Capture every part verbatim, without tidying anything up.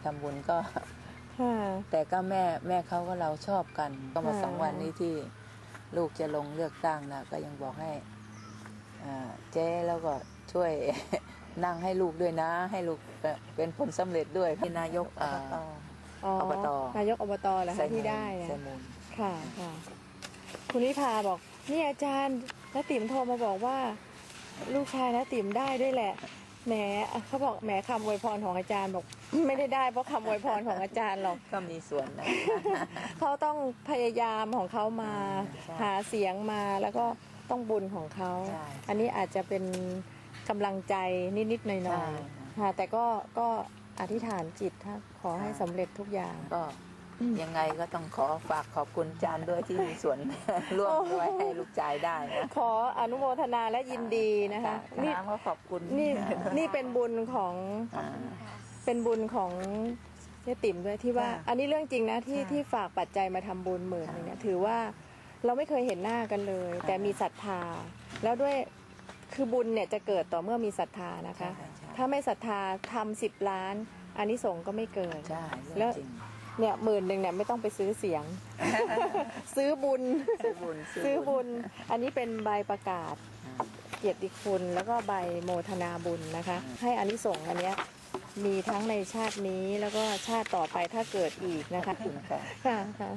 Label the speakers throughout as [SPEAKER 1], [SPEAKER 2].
[SPEAKER 1] ำบุญก็แต่ก็แม่แม่เขาก็เราชอบกันก็มาสองวันนี้ที่ลูกจะลงเลือกตั้งนะก็ยังบอกให้เจ๊แล้วก็ช่วยนั่งให้ลูกด้วยนะให้ลูกเป็นผลสำเร็จด้วยที่นายกอบต
[SPEAKER 2] นายกอบตเหรอคะที่ได้ค่ะค่ะคุณนิพาบอกนี่อาจารย์น้าติ๋มโทรมาบอกว่าลูกชายน้าติ๋มได้ด้วยแหละแหมเขาบอกแหมคำอวยพรของอาจารย์บอกไม่ได้ได้เพราะคำอวยพรของอาจารย์หรอก
[SPEAKER 1] ก็มีส่วนนะ
[SPEAKER 2] เขาต้องพยายามของเขามาหาเสียงมาแล้วก็ต้องบุญของเขาอันนี้อาจจะเป็นกำลังใจนิดๆหน่อยๆค่ะแต่ก็ก็อธิษฐานจิตถ้าขอให้สำเร็จทุกอย่าง
[SPEAKER 1] ก็ยังไงก็ต้องขอฝากขอบคุณอาจารย์ด้วยที่มีส่วนร่วมด้วยให้ลูกชายได้นะ
[SPEAKER 2] ขออนุโมทนาและยินดีนะคะ
[SPEAKER 1] นี่ก็ขอบคุณ
[SPEAKER 2] นี่นี่เป็นบุญของเป็นบุญของเจ๊ติ๋มด้วยที่ว่าอันนี้เรื่องจริงนะที่ที่ฝากปัจจัยมาทำบุญหมื่นนึงเนี่ยถือว่าเราไม่เคยเห็นหน้ากันเลยแต่มีศรัทธาแล้วด้วยคือบุญเนี่ยจะเกิดต่อเมื่อมีศรัทธานะคะถ้าไม่ศรัทธาทำสิบล้านอานิสงส์ก็ไม่เกิดแล้วเนี่ยหมื่นหนึ่งเนี่ยไม่ต้องไปซื้อเสียง ซื้อบุญซื้อบุญซื้อบุญอันนี้เป็นใบประกาศเกียรติคุณแล้วก็ใบโมทนาบุญนะคะให้อานิสงส์อันเนี้ยมีทั้งในชาตินี้แล้วก็ชาติต่อไปถ้าเกิดอีกนะคะค่ะค่ะ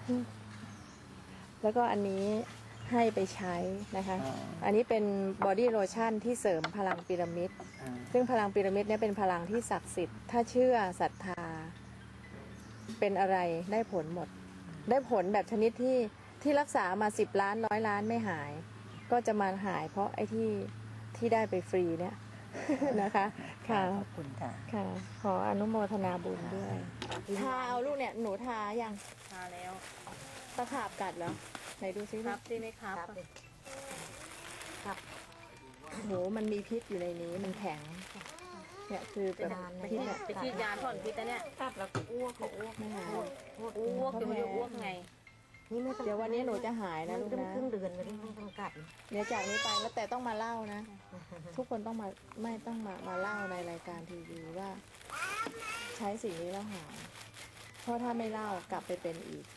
[SPEAKER 2] แล้วก็อันนี้ให้ไปใช้นะคะอันนี้เป็นบอดี้โลชั่นที่เสริมพลังพีระมิดซึ่งพลังพีระมิดเนี่ยเป็นพลังที่ศักดิ์สิทธิ์ถ้าเชื่อศรัทธาเป็นอะไรได้ผลหมดได้ผลแบบชนิดที่ที่รักษามาสิบล้านร้อยล้านไม่หายก็จะมาหายเพราะไอ้ที่ที่ได้ไปฟรีเนี่ยนะคะค่ะ
[SPEAKER 1] ขอบคุณค่ะ
[SPEAKER 2] ค่ะขออนุโมทนาบุญด้วยทาเอาลูกเนี่ยหนูทายัง
[SPEAKER 3] ทาแล้ว
[SPEAKER 2] ตะขาบกัดเหรอไหนดูซิ
[SPEAKER 3] ครับสิไหมครับ
[SPEAKER 2] ครับโหมันมีพิษอยู่ในนี้มันแข็งเนี่ยคือแบบ
[SPEAKER 3] พิษไปฉีดยาถอนพิษแต่เนี่ยกัดแล้วอ้วกอ้วกไม่หายอ้วกอ้วกจะไม่อ้วกไง
[SPEAKER 2] เดี๋ยววันนี้หนูจะหายนะลูกนะ
[SPEAKER 3] ครึ่งเดือนไม่ต้องกัด
[SPEAKER 2] เดี๋ยวจากนี้ไปแล้วแต่ต้องมาเล่านะทุกคนต้องมาไม่ต้องมามาเล่าในรายการทีวีว่าใช้สิ่งนี้แล้วหายเพราะถ้าไม่เล่ากลับไปเป็นอีก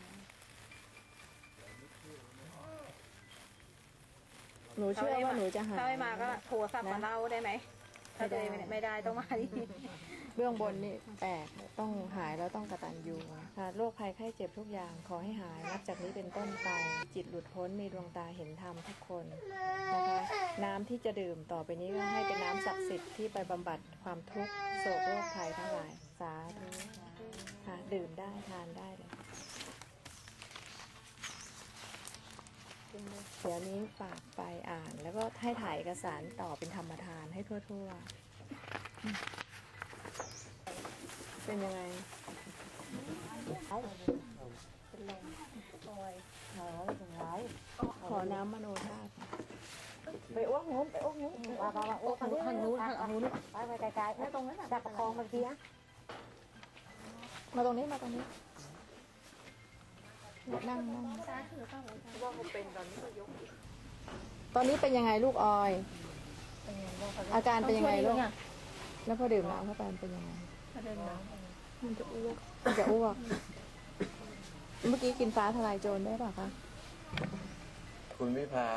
[SPEAKER 2] หนูเชื่อว่าหนูจะหาย
[SPEAKER 3] ถ้าไม่มาก็โทรศัพท์มาเล่าได้ไหมถ้าเจอไม่ได้ต้องมาที่
[SPEAKER 2] เบื้องบนนี่แตกต้องหายแล้วต้องกตัญญูค่ะโรคภัยไข้เจ็บทุกอย่างขอให้หายนับจากนี้เป็นต้นไปจิตหลุดพ้นมีดวงตาเห็นธรรมทุกคนนะคะน้ำที่จะดื่มต่อไปนี้ก็ให้เป็นน้ำศักดิ์สิทธิ์ที่ไปบำบัดความทุกข์โศกโรคภัยทั้งหลายสาธุค่ะดื่มได้ทานได้เลยเดี๋ยวนี้ฝากไปอ่านแล้วก็ให้ถ่ายเอกสารต่อเป็นธรรมทานให้ทั่วๆเป็นยังไงเป็นลมปล่อยหาอะไรอย่างไรขอน้ำมโนธาตุไปอ้วกนู้นไปอ้วกนู้น
[SPEAKER 3] ว่าว่าอ้วกทางนู้นทางนู้นทางนู้นไปไปไกลๆไม่ตรงนั้นจับประคองเมื่อกี้
[SPEAKER 2] มาตรงนี้มาตรงนี้นั่งนั่งว่าเขาเป็นตอนนี้ก็ยกตอนนี้เป็นยังไงลูกออยอาการเป็นยังไงลูกแล้วพอดื่มน้ำเข้าไปเป็นยังไง
[SPEAKER 3] ดื่มน้ำ
[SPEAKER 2] มันจะอ้วกมันจะอ้วกเมื่อกี้กินฟ้าทลายโจรได้ป่ะคะ
[SPEAKER 4] คุณวิภา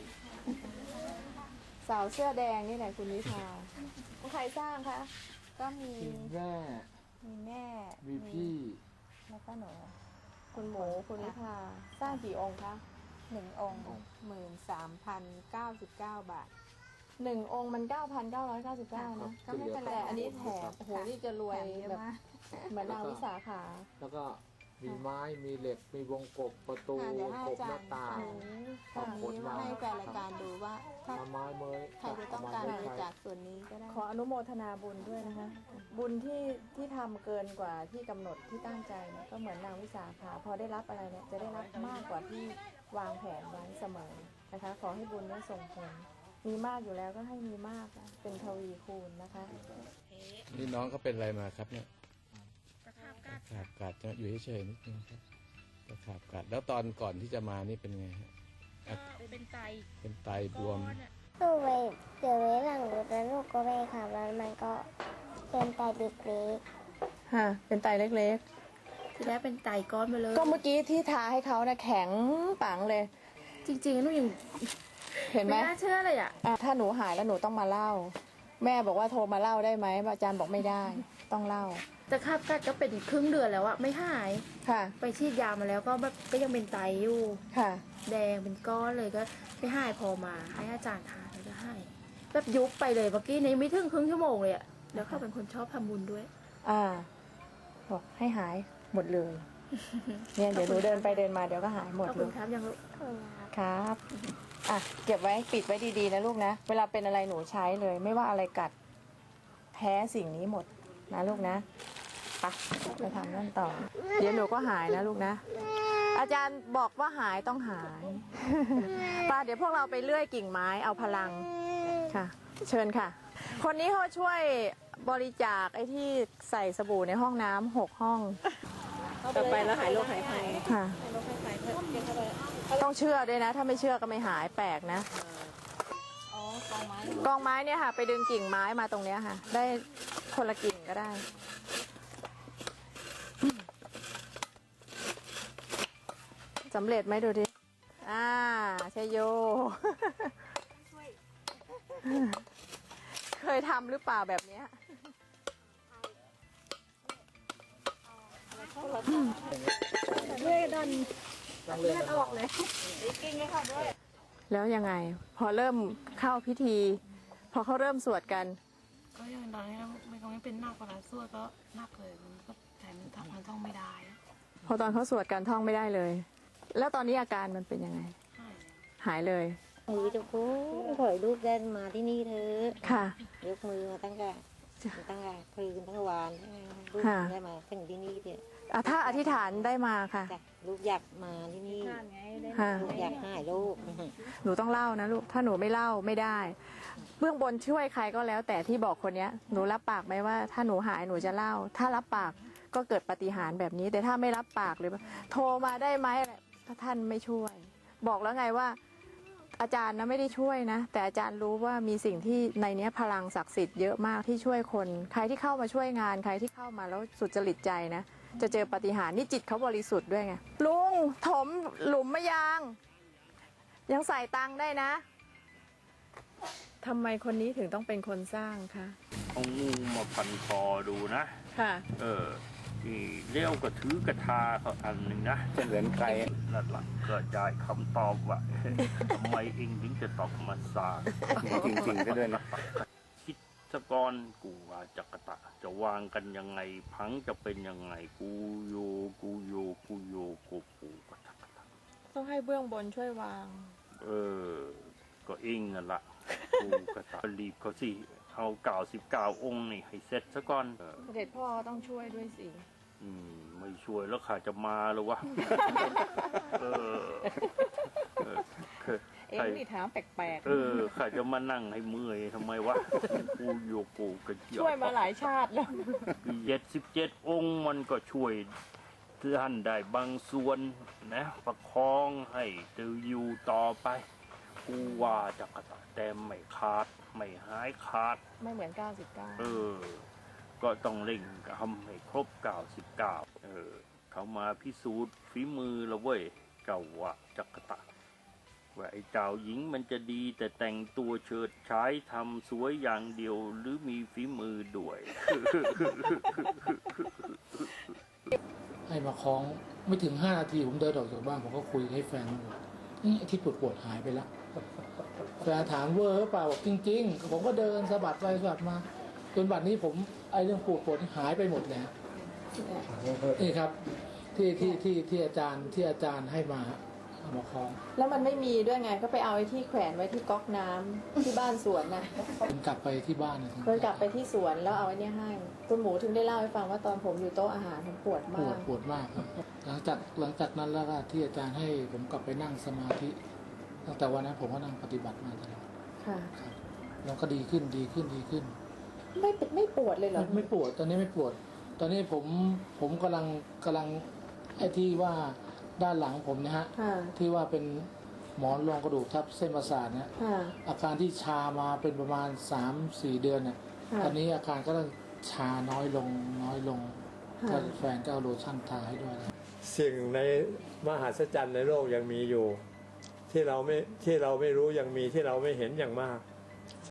[SPEAKER 2] สาวเสื้อแดงนี่แหละคุณวิภาใครสร้างคะ
[SPEAKER 5] ก็มี
[SPEAKER 4] แม่
[SPEAKER 5] มีแม่
[SPEAKER 4] มีพี่
[SPEAKER 5] แล้วก็หนู
[SPEAKER 2] คุณหมูคุณวิภาสร้างกี่องค์คะ
[SPEAKER 5] หนึ่งองค์หมื่นสามพันเก้าสิบเก้าบาท
[SPEAKER 2] หนึ่งองค์มันเก้าพันเก้าร้อยเก้าสิบเก้านะ
[SPEAKER 5] ก็ไม่เป็นไร
[SPEAKER 2] อันนี้แถมโอ้โหนี่จะรวยแบบเหมือนนางวิสาขา
[SPEAKER 4] แล้วก็มีไม้มีเหล็กมีวงกบประตูกบหน้าต่าง
[SPEAKER 5] ขอบคุณมาให้แฟนรายการดูว่าถ้า
[SPEAKER 4] ไม้เมย
[SPEAKER 5] ใครจะต้องการบริจาคส่วนนี้ก็ได้
[SPEAKER 2] ขออนุโมทนาบุญด้วยนะคะบุญที่ที่ทำเกินกว่าที่กำหนดที่ตั้งใจเนี่ยก็เหมือนนางวิสาขาพอได้รับอะไรเนี่ยจะได้รับมากกว่าที่วางแผนไว้เสมอนะคะขอให้บุญนี้ส่งผลมีมากอยู่แล้วก็ให้มีมากเป็นทวีคูณนะคะ
[SPEAKER 4] นี่น้องเขาเป็นอะไรมาครับเนี่ยตะขาบกัดตะขาบกัดจะอยู่เฉยๆนิดนึงครับตะขาบกัดแล้วตอนก่อนที่จะมานี่เป็นไงฮะ
[SPEAKER 3] เป็นไต
[SPEAKER 4] เป็นไตบวม
[SPEAKER 6] ลูกไปเจอไว้หลังรถแล้วลูกก็ไปขับแล้วมันก็เป็นไตเล็กๆ
[SPEAKER 2] ค่ะเป็นไตเล็ก
[SPEAKER 3] ทีแรกเป็นไตก้อนไปเลย
[SPEAKER 2] ๆ ก็เมื่อกี้ที่ทาให้เขานะแข็งปังเลย
[SPEAKER 3] จริงๆหนูยัง
[SPEAKER 2] เห็นไหม
[SPEAKER 3] ไม่น่าเชื่อเลยอ่ะ
[SPEAKER 2] อ่ะถ้าหนูหายแล้วหนูต้องมาเล่า แม่บอกว่าโทรมาเล่าได้ไหมอาจารย์บอกไม่ได้ ต้องเล่า
[SPEAKER 3] แต่คาบกัดก็เป็นอีกครึ่งเดือนแล้วอะไม่หาย
[SPEAKER 2] ค่ะ
[SPEAKER 3] ไปฉีดยามาแล้วก็แบบก็ยังเป็นไตอยู่
[SPEAKER 2] ค่ะ
[SPEAKER 3] แดงเป็นก้อนเลยก็ไม่หายพอมาให้อาจารย์ทานแล้วก็ให้แบบยุบไปเลยเมื่อกี้ในไม่ถึงครึ่งชั่วโมงเลยอะแล้วเขาเป็นคนชอบทำบุญด้วย
[SPEAKER 2] อ่าบอกให้หายหมดเลย เนี่ยเดี๋ยวหนูเดินไปเดินมาเดี๋ยวก็หายหมด
[SPEAKER 3] ขอบ
[SPEAKER 2] เล
[SPEAKER 3] คุณ
[SPEAKER 2] ย
[SPEAKER 3] ครับยัง
[SPEAKER 2] ครับ อ่ะ เก็บไว้ปิดไว้ดีๆนะลูกนะ เวลาเป็นอะไรหนูใช้เลย ไม่ว่าอะไรกัด แพ้สิ่งนี้หมดนะลูกนะไปไปทำนั่นต่อ เดี๋ยวหนูก็หายนะลูกนะ อาจารย์บอกว่าหายต้องหาย ป้าเดี๋ยวพวกเราไปเลื่อยกิ่งไม้เอาพลังค่ะ เชิญค่ะ คนนี้เขาช่วยบริจาคไอ้ที่ใส่สบู่ในห้องน้ำหกห้อง
[SPEAKER 5] ต่อไปแล้วหายโรคหายภัย
[SPEAKER 2] ค่ะ ต้องเชื่อด้วยนะ ถ้าไม่เชื่อก็ไม่หายแปลกนะ
[SPEAKER 5] อ๋อกองไม้
[SPEAKER 2] กองไม้เนี่ยค่ะ ไปดึงกิ่งไม้มาตรงเนี้ยค่ะ ได้คนละกิ่งก็ได้สำเร็จไหมดูดิอ่าใช่โย เคยทำหรือเปล่าแบบเนี้ยแล้วยังไง พอเริ่มเข้าพิธี พอเขาเริ่มสวดกัน
[SPEAKER 6] ก็ยังตอนนี้มันก็ไม่เป็นหนักกว่านั้นสวดก็หนักเลยมันก็แถมทำมันต้องไม่ได้
[SPEAKER 2] พอตอนเขาสวดกันท่องไม่ได้เลย แล้วตอนนี้อาการมันเป็นยังไง หายเลย
[SPEAKER 7] มือจะโค้งถอยลูกได้มาที่นี่เถอะ
[SPEAKER 2] ค่ะ
[SPEAKER 7] ยกมือมาตั้งแต่ตั้งแต่คืนตั้งแต่วานลูก
[SPEAKER 2] ค่ะ
[SPEAKER 7] ได้มาถึงที่นี่เนี่ย
[SPEAKER 2] อ่ะถ้าอธิษฐานได้มาค่ะ
[SPEAKER 7] จ้ะลูกอยากมาที่นี่
[SPEAKER 2] ค่ะ
[SPEAKER 7] ลูกอยากหายลูก
[SPEAKER 2] หนูต้องเล่านะลูก ถ้าหนูไม่เล่าไม่ได้ เบื้องบนช่วยใครก็แล้ว แต่ที่บอกคนเนี้ย หนูรับปากไหมว่า ถ้าหนูหายหนูจะเล่า ถ้ารับปากก็เกิดปาฏิหาริย์แบบนี้ แต่ถ้าไม่รับปากหรือว่าโทรมาได้ไหมอะไรถ้าท่านไม่ช่วย บอกแล้วไงว่า อาจารย์นะไม่ได้ช่วยนะ แต่อาจารย์รู้ว่ามีสิ่งที่ในเนี้ยพลังศักดิ์สิทธิ์เยอะมากที่ช่วยคน ใครที่เข้ามาช่วยงาน ใครที่เข้ามาแล้วสุจริตใจนะ จะเจอปาฏิหาริย์นี่จิตเขาบริสุทธิ์ด้วยไง ลุงถมหลุมมะยาง ยังใส่ตังค์ได้นะทำไมคนนี้ถึงต้องเป็นคนสร้างคะ
[SPEAKER 8] เอางูมาพันคอดูนะ
[SPEAKER 2] ค่ะ
[SPEAKER 8] เออนี่เลี้ยวกระถือกระทาเขาอันหนึ่งนะ
[SPEAKER 4] เหมือนใคร
[SPEAKER 8] นั่นหละก็ได้คำตอบว่า ทำไมเองถึงจะตอกมาสร้าง
[SPEAKER 4] จริงๆก็ด้วยนะ
[SPEAKER 8] คิดสกรกูว่าจักรตะ จะวางกันยังไง พังจะเป็นยังไง กูโยกูโยกูโยกูปูก็จักรตะ
[SPEAKER 2] ต้องให้เบื้องบนช่วยวาง
[SPEAKER 8] เออ ก็เองนั่นละกูกระตะรีบเขาสิเอาเก่าสิบเก้าองค์นี่ให้เสร็จซะก่อนเออ
[SPEAKER 2] เด็จพ่อต้องช่วยด้วยสิ
[SPEAKER 8] อืมไม่ช่วยแล้วข้าจะมาหรือวะ เออเออ
[SPEAKER 2] เอ็งนี่ถามแปลก
[SPEAKER 8] เออข้าจะมานั่งให้เมื่อยทำไมวะ กูโยกูกระเจี
[SPEAKER 2] ๆ
[SPEAKER 8] ยว
[SPEAKER 2] ช่วยมาหลายชาติแล้ว
[SPEAKER 8] เจ็ดสิบเจ็ดองค์มันก็ช่วยท่านได้บางส่วนนะประคองให้ตืออยู่ต่อไป กูว่าจะกระตะแต่ไม่ขาด ไม่หายขาด
[SPEAKER 2] ไม่เหมือนเก้าสิบเก้า
[SPEAKER 8] เออ ก็ต้องเร่งทำให้ครบเก้าสิบเก้าเออ เขามาพิสูจน์ฝีมือแล้วเว้ยเจ้าว่าจักรตะว่าไอ้เจ้าหญิงมันจะดีแต่แต่งตัวเฉิดฉายทำสวยอย่างเดียวหรือมีฝีมือด้วย
[SPEAKER 9] ให้มาคล้องไม่ถึงห้านาทีผมเดินออกจากบ้านผมก็คุยให้แฟนบอกนี่ไอ้ที่ปวดปวดๆหายไปแล้วแฟนถามเวอร์หรือเปล่าบอกจริงๆผมก็เดินสะบัดไปสะบัดมาจนบัดนี้ผมไอ้เรื่องปวดปวดหายไปหมดแล้วนี่ครับที่ที่ที่ที่อาจารย์ที่อาจารย์ให้มาเอามาคล้อง
[SPEAKER 2] แล้วมันไม่มีด้วยไง ก็ไปเอาไอ้ที่แขวนไว้ที่ก๊อกน้ำที่บ้านสวนน่ะ
[SPEAKER 9] ผมกลับไปที่บ้านนะ
[SPEAKER 2] เพิ่นกลับไปที่สวนแล้วเอาไอ้เนี่ยให้ คุณหมูถึงได้เล่าให้ฟังว่าตอนผมอยู่โต๊ะอาหารผมปวด
[SPEAKER 9] ป
[SPEAKER 2] มาว
[SPEAKER 9] ด
[SPEAKER 2] ก
[SPEAKER 9] ปวดมากครับหลังจากหลังจากนั้นแล้วก็ที่อาจารย์ให้ผมกลับไปนั่งสมาธิตั้งแต่วันนั้นผมก็นั่งปฏิบัติมาตลอด
[SPEAKER 2] ค่ะ
[SPEAKER 9] ครับแล้วก็ดีขึ้นดีขึ้นดีขึ้น
[SPEAKER 2] ไม่ไม่ปวดเลยเหรอ
[SPEAKER 9] ไม่ไม่ปวดตอนนี้ไม่ปวด ตอนนี้ผมผมกำลังกำลังไอ้ที่ว่าด้านหลังผมเนะฮะ
[SPEAKER 2] ค่ะ
[SPEAKER 9] ที่ว่าเป็นหมอนรองกระดูกทับเส้นประสาทเนี่ย
[SPEAKER 2] ค่ะ
[SPEAKER 9] อาการที่ชามาเป็นประมาณสามสี่เดือนเนี่ย
[SPEAKER 2] ค่ะ
[SPEAKER 9] ตอนนี้อาการก็เริ่มชาน้อยลงน้อยลง
[SPEAKER 2] ค่ะ
[SPEAKER 9] ก็แฟนก็เอาโลชั่นทาให้ด้วย
[SPEAKER 10] สิ่งในมหัศจรรย์ในโลกยังมีอยู่ ที่เราไม่ที่เราไม่รู้ยังมีที่เราไม่เห็นอย่างมาก